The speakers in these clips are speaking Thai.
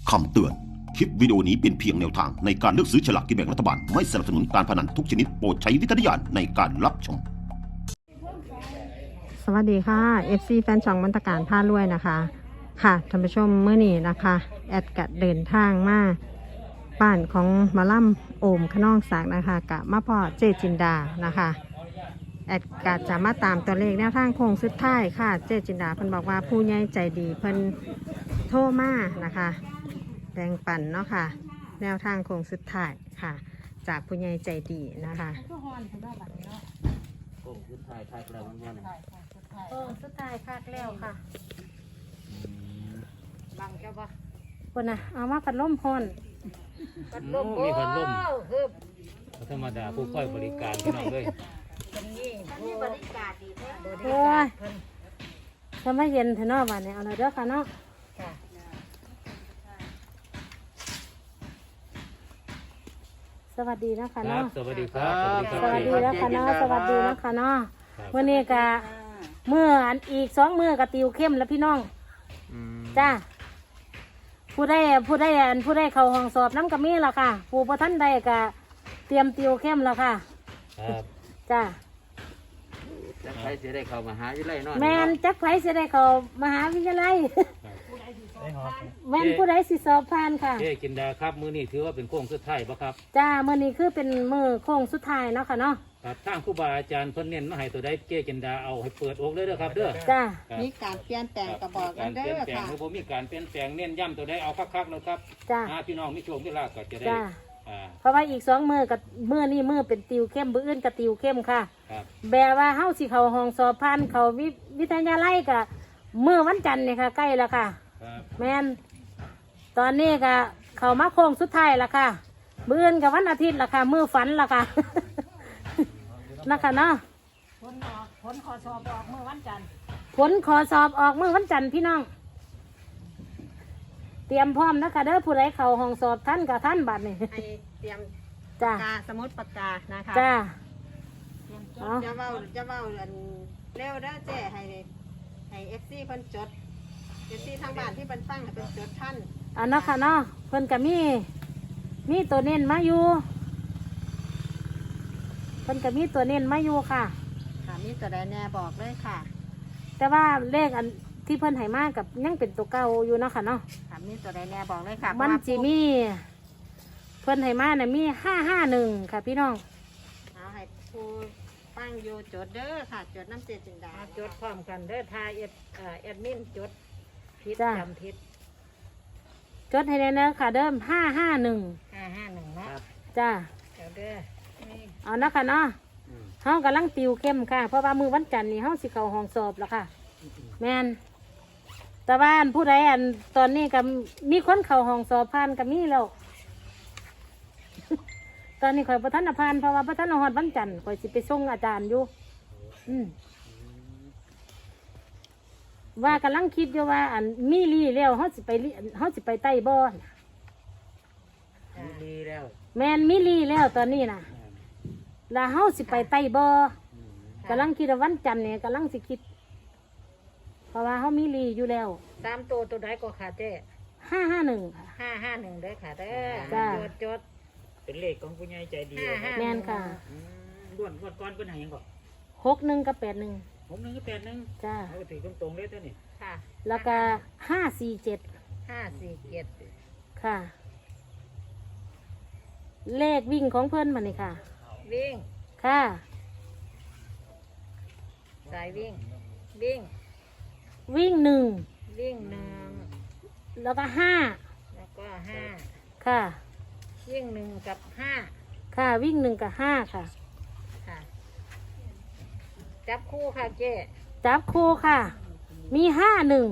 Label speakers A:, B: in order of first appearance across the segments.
A: คำเตือน คลิปวิดีโอนี้เป็นเพียงแนวทางในการเลือกซื้อฉลากกินแบ่งรัฐบาล ไม่สนับสนุนการพนันทุกชนิดโปรดใช้วิจารณญาณในการรับชม
B: สวัสดีค่ะ FC แฟนช่องมนตการผ้ารวยนะคะค่ะท่านผู้ชมเมื่อนี้นะคะแอดกะเดินทางมาบ้านของหมาล่ำโอมขนองศักดิ์นะคะกะมาพ่อเจจินดานะคะแอดกะจะมาตามตัวเลขแนวทางโค้งสุดท้ายค่ะเจจินดาเพิ่นบอกว่าผู้ใหญ่ใจดีเพิ่นโทรมานะคะแบ่งปันเนาะค่ะแนวทางโค้งสุดท้ายค่ะจากผู้ใหญ่ใจดีนะคะ
C: โอ้ขึ้นถ่ายถ่ายแล้วมันว่าเนี่ย
B: สุดท้ายคักแล้วค่ะ
D: บังจะบ่
B: คนน่ะเอามาพัดลมพอน
D: พัดลม
C: โอ้มีพัดลม
D: คือ
C: ธรรมดาผู้ค่อยบริการพี่น้องเลย
D: เป็นนี่ผู้บริการดีแท้บริ
B: โอ้
D: การ
B: ย
D: เพิ่น
B: ทำไมเย็นเถอะเนาะบ้านนี้เอาเลยเด้อค่ะเนาะ
D: ค่ะ
B: สวัสดีนะคะ
C: ครั
B: เนาะ
C: บสวัสดีครับ
B: สวัสดีนะคะเนาะสวัสดีนะคะเนาะ
C: ครับ
B: วันนี้กะเมื่ออันอีก2 มื้อกะติวเข้มแล้วพี่น้อง
C: อืม
B: จ้าผู้ได้เข้าห้องสอบน้ำกะมีแล้วค่ะผู้ประท่านใดกะเตรียมติวเข้มแล้วค่ะ
C: ครับ
B: จ้า
C: จะใครจะได้เข้ามาหาอยู่ไรเนาะ
B: แมนจักไผสิได้เข้ามหาวิทยาลัย แม่นผู้ใดสิสอบผ่านค่ะ
C: เจ๊กินดาครับมื้อนี้ถือว่าเป็นโค้งสุดท้ายบ่ครับ
B: จ้ามื้อนี้คือเป็นมื้อโค้งสุดท้ายเนาะค่ะเนาะ
C: ครับทางครูบาอาจารย์เพิ่นเน้นมาให้ตัวใดเจ๊กินดาเอาให้เปิดอกเลยเด้อครับเด้อ
B: จ้า
C: ครับ
D: มีการเปลี่ยนแปลงกระบอกกันเด้อ
C: การเปลี่ยนแปลง
D: ค่ะ
C: หรือบ่มีการเปลี่ยนแปลงเน้นย้ำตัวใดเอาคักๆเลยครับ
B: จ้า
C: พี่น้องมีโชคมีลาภก็จะได้
B: จ้า
C: อ่า
B: เพราะว่าอีก2 มื้อกับมื้อนี้มื้อเป็นติวเข้มมื้ออื่นกับติวเข้มค่ะ
C: ครับ
B: แบบว่าเฮาสิเข้าห้องสอบผ่านเข้าวิทยาลัยก็มื้อวันจันทร์นี่ค่ะใกล้แล้วค่ะ
C: ครับ
B: แม่นตอนนี้ก็เข้ามาโค้งสุดท้ายแล้วค่ะมื้ออื่นกับวันอาทิตย์ละค่ะมื้อฝันละค่ะ นะคะเนาะ
D: ผลขอสอบออกเมื่อวันจันทร์
B: ผลขอสอบออกมื้อวันจันทร์พี่น้อง เตรียมพร้อมนะคะเด้อผู้ใดเข้าห้องสอบท่านกับท่านบัดนี่
D: ให้เตรียม
B: จ้า
D: ปากกาสมุดปากกานะคะ
B: จ้า
D: จดจะเว้าอันเร็วเด้อเจ้ให้ FC เพิ่นจด FC ทางบ้านที่เพิ่นฟังให้เพิ่นจดท่าน
B: อันเนาะค่ะเนาะเพิ่นก็มีตัวเน้นมาอยู่เพิ่นก็มีตัวเน้นมาอยู่ค่ะ
D: ค่ะมีตัวใดแน่บอกเลยค่ะ
B: แต่ว่าเลขอันที่เพิ่นให้มากับยังเป็นตัวเก่าอยู่เนาะค่ะเนาะ
D: ค่ะมีตัวใดแน่บอกเลยค่ะ
B: มัน
D: เพราะว่า
B: สิมี เพิ่นให้มาน่ะมี551ค่ะพี่น้อง
D: เอาให้ผู้ฟังอยู่จดเด้อค่ะ จดน้ำเจจินดา
E: จดพร้อมกันเด้อทายแอดมินจดผิด
B: จ้า
E: จำผิด
B: จดให้แน่เด้อค่ะเดิม551
E: 551เนาะ
C: ครับ
B: จ้า
E: เดี๋ยวเด้อ
B: เอานะค่ะเนาะ
C: อืม
B: เฮากำลังติวเข้มค่ะเพราะว่ามื้อวันจันทร์นี่เฮาสิเข้าห้องสอบแล้วค่ะ แม่นแต่ว่าอันผู้ใดอันตอนนี้ก็มีคนเข้าห้องสอบผ่านก็มีแล้ว ตอนนี้ข่อยประธานผ่านเพราะว่าประธานฮอดวันจันทร์ข่อยสิไปส่งอาจารย์อยู่ อืมว่ากำลังคิดอยู่ว่าอันมีลี่แล้วเฮาสิไปไต่บ่อน
C: ดีแล้ว
B: แม่นมีลี่แล้วตอนนี้น่ะแล้วเฮาสิไปไต่บ่กำลังคิดว่าวันจันทร์เนี่ยกำลังสิคิด เพราะว่าเฮามีลี่อยู่แล้ว
E: 3 ตัวใดก็ขาดเจ้
B: 551ค่ะ
E: 551เด้อค่ะเด้อ
B: จ้า
E: จด
C: เป็นเลขของผู้ใหญ่ใจดี
B: แม่นค่ะ
C: ล้วนงวดก่อนเป็นไหนยังก่อน
B: 61กับ81
C: ผมนึงก็81
B: จ้า
C: เอาถือตรงๆเลยเท่านี้
E: ค่ะ
B: แล้วก็547
E: 547
B: ค่ะ เลขวิ่งของเพิ่นมานี่ค่ะ
E: วิ่ง
B: ค่ะ
E: สายวิ่ง วิ่ง
B: วิ่ง
E: วิ่ง
B: 1แล้วก็
E: แล้วก็5
B: 5ค่ะ
E: วิ่ง1กับ5
B: ค่ะวิ่ง1กับ5ค่ะ
E: ค่ะ จับคู่ค่ะเจ้
B: จับคู่ค่ะ มี51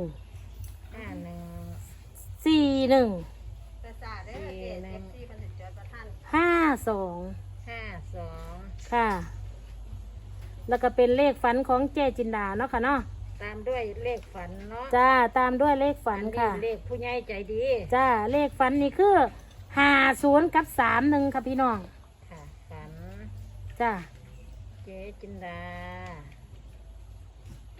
E: 51
B: 41
D: ประสาเด้อเจ FC เพิ่นสิจดประท่าน
B: 52
E: 52
B: ค่ะ แล้วก็เป็นเลขฝันของเจจินดาเนาะค่ะเนาะ
E: ตามด้วยเลขฝันเนาะ
B: จ้าตามด้วยเลขฝันค่ะ
E: อัเลขผู้ใหญ่ใจดี
B: จ้าเลขฝันนี่คือ50กับ31ค่ะพี่น้อง
E: ค่ะฝัน
B: จ้า
E: เจ๊จินดา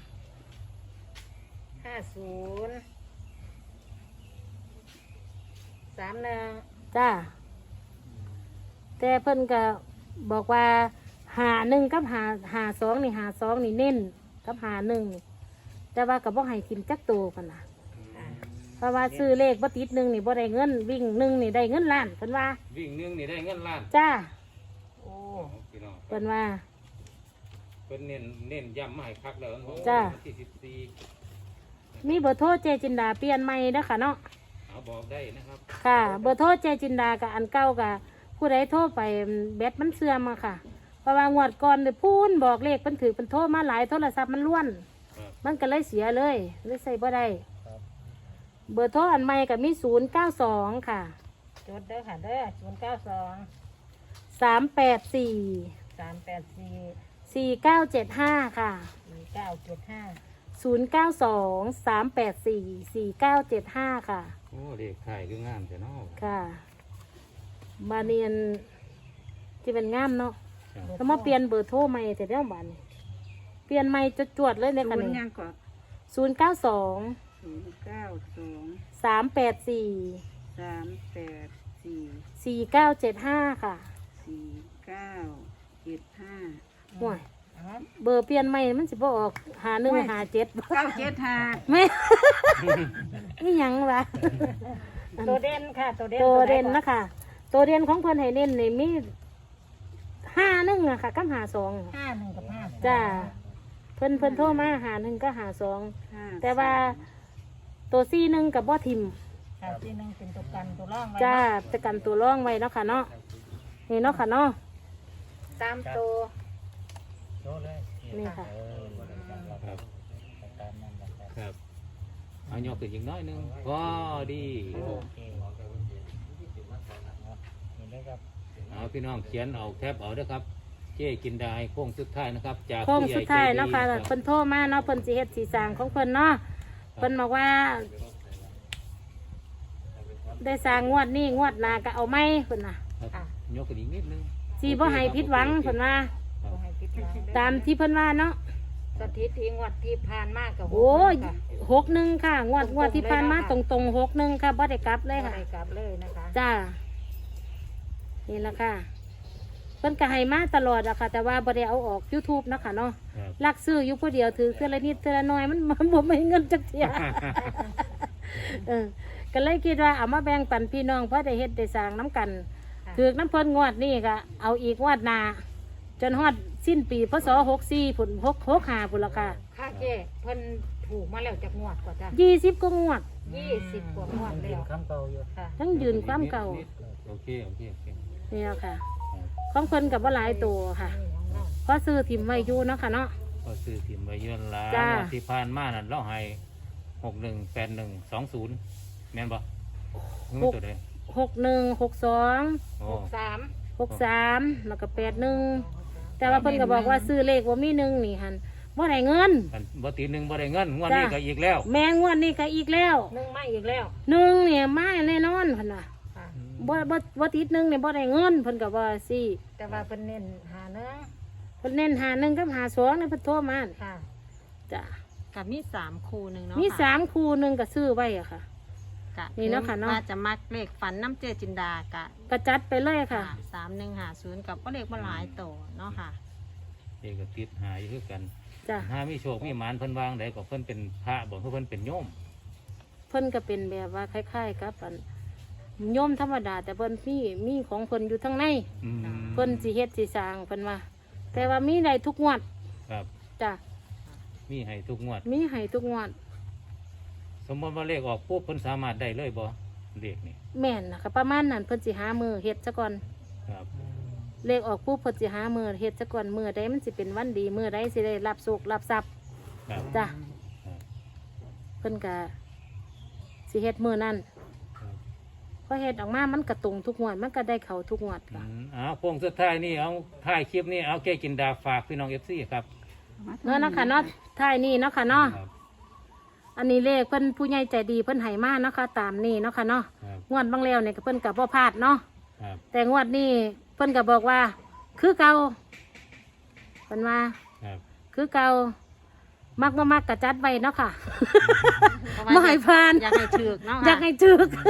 E: 50 31
F: จ้าแต่เพิ่นก็บอกว่า51กับ52นี่52นี่เน้นกับ51นี่แต่ว่าก็บ่ให้ทิมจักโตกันน่ะเพราะว่าซื้อเลขบ่ติด1นี่บ่ได้เงินวิ่ง1นี่ได้เงินล้านเพิ่นว่า
C: วิ่งหนึงนี่ได้เงินล้าน
F: จ้า
C: โอ้พี่น้อง
F: เพิ่นว่า
C: เพิ่นเน้นย้ำมาให้คักแล้ววัน
F: จ้า
C: ที่14
F: มีเบอร์โทรเจจินดาเปลี่ยนใหม่เด้อค่ะเนาะ
C: เอาบอกได้นะครับ
F: ค่ะเบอร์โทรเจจินดากับอันเก่ากับผู้ใดโทรไปแบตมันเสื่อมอะค่ะเพราะว่างวดก่อนเนี่ยพูนบอกเลขมันถือเป็นโทรมาหลายโทรศัพท์มันล้วน
C: ครับ
F: มันก็เลยเสียเลยใส่บ่ได้เบอร์โทรอันใหม่กับมี092ค่ะ
E: จดเด้อค่ะเด้อ092
F: 384
E: 384
F: 4975ค่ะ
E: 4975
F: 092 384 4975ค่ะ
C: โอ้เลขถ่ายคืองามแต่เนาะ
F: ค่ะบาเนียนที่เป็นงามเนาะ
C: ครับ
F: แล้วมาเปลี่ยนเบอร์โทรใหม่แต่เดี๋ยวบานนี้เปลี่ยนใหม่จวดๆเลยในคันนี้
D: ยังก่อน
F: 092 384
D: 384
F: 4975ค่ะ
D: 4975
F: ห่วยเบอร์เปลี่ยนใหม่มันสิบ่ออก5157
D: 975
F: แม่ นี่หยังวะ
E: ตัวเด่นค่ะตัวเด่น
F: ตัวเด่นนะคะตัวเด่นของเพิ่นให้เน้นนี่มี51อะค่ะกับ52
E: 51กับ5
F: จ้าเพิ่นโทรมา51ก็52แต่ว่าตัว41กับบ่ทิม
E: ค่ะที่หนึงเป็นตัวกันตัวร่องไว้
F: จ้าจะกันตัวร่องไว้เนาะค่ะเนาะนี่เนาะค่ะเนาะ
E: 3ตัว
F: นี่ค่ะ
C: ครับครับเอายกขึ้นอีกน้อยหนึงพอดีเอาพี่น้องเขียนเอาแทบเอาเด้อครับ เจ๊กินได้โค้งสุดท้ายนะครับ จาก
F: โค้ง
C: ผู้ใหญ่
F: สุดท้าย
C: ใจ
F: เนาะค่ะ
C: รับ
F: เพิ่นโทรมาเนาะเพิ่นสิเฮ็ดสีสร้างของเพิ่นเนาะเพิ่นบอกว่า ได้สร้างงวดนี้งวดหน้าก็เอาไหมเพิ่นน่ะ
C: ครับยกขึ้นอีกนิดนึง
F: สิบ่ให้ผิดหวังเพิ่นว่า
C: ครับ
E: ให้ผิดหวัง
F: ตามที่เพิ่นว่าเนาะ
E: สถิติงวดที่ผ่านมากับ
F: โอ้ย
E: ค่ะ
F: 61ค่ะงวดที่ผ่านมาตรงๆ61ค่ะบ่ได้กลับเลยค่ะ
E: บ่ได้กลับเลยนะคะ
F: จ้า นี่แหละค่ะ เพิ่นก็ให้มาตลอดอะค่ะ แต่ว่าบ่ได้เอาออก YouTube เนาะค่ะเนาะ
C: ครับ
F: ลักซื้ออยู่ผู้เดียวถือเทื่อละนิดเทื่อละน้อยมันบ่มีเงินจักเที่ย ก็เลยคิดว่าเอามาแบ่งปันพี่น้องเพราะได้เฮ็ดได้สร้างน้ำกัน
E: ค่ะ
F: ถือน้ำเพิ่นงวดนี้ก็เอาอีกงวดหน้าจนฮอดสิ้นปีพศ64พุ่น65พุ่นละค่ะ
E: ค่ะเจ้เพิ่นถูกมาแล้วจากงวดกว่าจ้ะ
F: 20กว่างวด
E: 20กว่างวดแล้วค่ะ
F: ทั้งยืนความเก่า
C: โอเคโอเคโอเค
F: นี่แหละค่ะ ของเพิ่นกับว่าหลายตัวค่ะ
E: นี่ของเรา
F: เพราะซื้อถิ่มไว้อยู่เนาะค่ะเนาะ
C: ก็ซื้อถิ่มไว้เยือนละ
F: จ้า
C: งวดที่ผ่านมานั่นเราให้618120แม่นบ่เงินตัวใด
F: 61 62
C: โอ้
E: 63
F: 63แล้วก็81แต่ว่าเพิ่นก็บอกว่าซื้อเลขว่ามีหนึ่งนี่หั่นบ่ได้เงิน
C: กันบ่ตีหนึ่งบ่ได้เงินงวด
F: จ้า
C: นี้ก็อีกแล้ว
F: แม่งวดนี้ก็อีกแล้ว
E: นึ่งมาอีกแล้ว
F: หนึ่งเนี่ยมาแน่นอนเพิ่นว่า
E: ค่ะ
F: บ่ติดหนึ่งเนี่ยบ่ได้เงินเพิ่นก็ว่าสิ
E: แต่ว่าเพิ่นเน้นหาเนื้อ
F: เพิ่นเน้น51กับ52เนี่ยเพิ่นโทรมา
E: ค่ะ
F: จ้ะ
B: กับมี3คู่หนึงเนาะ
F: มี
B: ค่ะ
F: 3คู่หนึงก็ซื้อไว้อะค่ะ
B: กะ
F: นี่เนาะค่ะเนาะ
B: ว่าจะมักเลขฝันน้ำเจจินดากะ
F: ก็จัดไปเลยค่ะ
B: 3150กับก็เลขบ่หลายโตเนาะค่ะ
C: เด็กก็ติดหาอยู่คือกัน
F: จ้ะ
C: หามีโชคมีหมานเพิ่นวางได้ก็เพิ่นเป็นพระบ่เพิ่นเป็นโยม
F: เพิ่นก็เป็นแบบว่าคล้ายๆกับอันโยมธรรมดา แต่เพิ่นมีของเพิ่นอยู่ทั้งใน
C: อืม
F: เพิ่นสิเฮ็ดสิสร้างเพิ่นว่า แต่ว่ามีได้ทุกงวด
C: ครับ
F: จ้ะ
C: มีให้ทุกงวด
F: มีให้ทุกงวด
C: สมมติว่าเลขออกปุ๊บเพิ่นสามารถได้เลยบ่เลขนี่
F: แม่นนะคะประมาณนั้นเพิ่นสิหามือเฮ็ดซะก่อน
C: ครับ
F: เลขออกปุ๊บเพิ่นสิหามือเฮ็ดซะก่อนมือใดมันสิเป็นวันดีมือใดสิได้รับโชครับทรัพย์
C: ครับ
F: จ้ะ
C: ครับ
F: เพิ่นก็สิเฮ็ดมือนั้น
C: ครับ
F: พอเฮ็ดออกมามันก็ตรงทุกงวดมันก็ได้เข้าทุกงวด
C: อื
F: ค่ะ
C: มเอาโค้งสุดท้ายนี่เอาท้ายคลิปนี่เอาแก้กินดาฝากพี่น้อง FC ครับ
F: เนาะค่ะเนาะท้ายนี้เนาะค่ะเนาะ
C: ครับ
F: อันนี้เลขเพิ่นผู้ใหญ่ใจดีเพิ่นให้มาเนาะค่ะตามนี้เนาะค่ะเนาะ
C: ครับ
F: งวดบางแล้วเนี่ยก็เพิ่นก็บ่พลาดเนาะ
C: ครับ
F: แต่งวดนี้เพิ่นก็บอกว่า คือเก่าเพิ่นว่า
C: ครับ
F: คือเก่ามักบ่มักก็จัดไว้เนาะค่ะ
B: เพราะว่า
F: บ่ให้ผ่าน
B: อยากให้ถูกเนาะ
F: อยากให้ถึก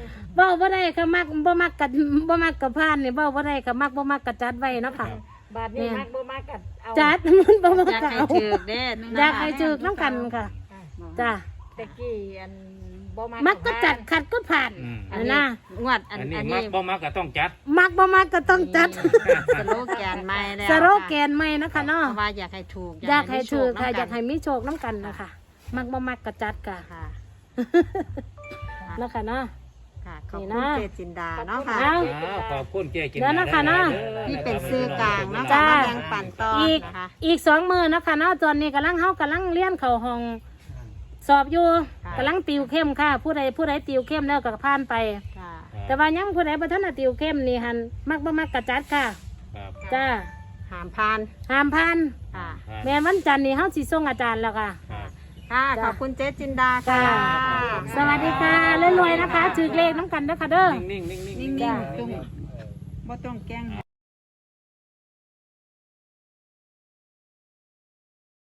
F: เว้าบ่ได้ค่ะมักบ่มักกับพานนี่เว้าบ่ได้ค่ะมักบ่มักกับจัดไว้เนาะค่ะ
E: บาทนี้มักบ่มักกัดเอา
F: จัดมันบ่มัก
D: อยาก
F: กับ
D: ให้
F: เอา
D: ถือเด้
F: อยากให้จึกน้ำกันค่ะจ้า
E: ตะกี้อันบ่มัก
F: มักก็จัดขัดก็ผ่าน
C: อืม
F: นะ
D: งวดอั
C: อั
D: น
C: นนี้
D: อัน
C: มั
D: นี้
C: กบ่มักก็ต้องจัด
F: มักบ่มักก็ต้องจัด
D: สโลแกนใหม่แล้ว
F: สโลแกนใหม่นะคะเนาะ
D: เพราะว่าอยากให้ถูก
F: อยากให้ถือค่ะ
D: มีโช
F: อยากให้มีโชคน้ำกันนะคะมักบ่มักก็จัดค่ะ
D: ค่ะ
F: นะคะเนาะ
D: ค่ะขอบ
F: นี่
D: คุณ
F: นะ
D: เจจินดาเนาะค่ะ
F: เอา
C: ขอบคุณเจ๊กิน
F: เดี๋ยวนะคะเนาะ
D: ที่เป็นซื้อกลางเนาะ
F: จ้า
D: ค่ะมาแบ่งปันต่อ
F: อีก
D: นะคะ
F: อีก2 มื้อนะคะเนาะตอนนี้กำลังเรียนเข้าห้องสอบอยู่
D: ค่ะ
F: กำลังติวเข้มค่ะ ผู้ใดติวเข้มแล้วก็ผ่านไป
D: ค่ะ
F: แต่ว่ายังผู้ใดบ่ทันได้ติวเข้มนี่หันมักบ่มักก็จัดค่ะ
C: ครับ
F: จ้า
D: หามพาน
F: ห้ามผ่าน
D: ค่ะ
F: แม่นวันจันทร์นี่เฮาสิส่งอาจารย์แล้วค่ะ
C: ครับ
D: ค่ะ ขอบคุณเจจินดาค่ะ
F: จ้า สวัสดีค่ะรวยๆนะคะถือเลขน้ำกันเด้อค่ะเด้อ
C: นิ่งๆนิ่งๆ
D: นิ่ง
F: จ้า
D: ๆจุ่มบ่ต้องแกล้ง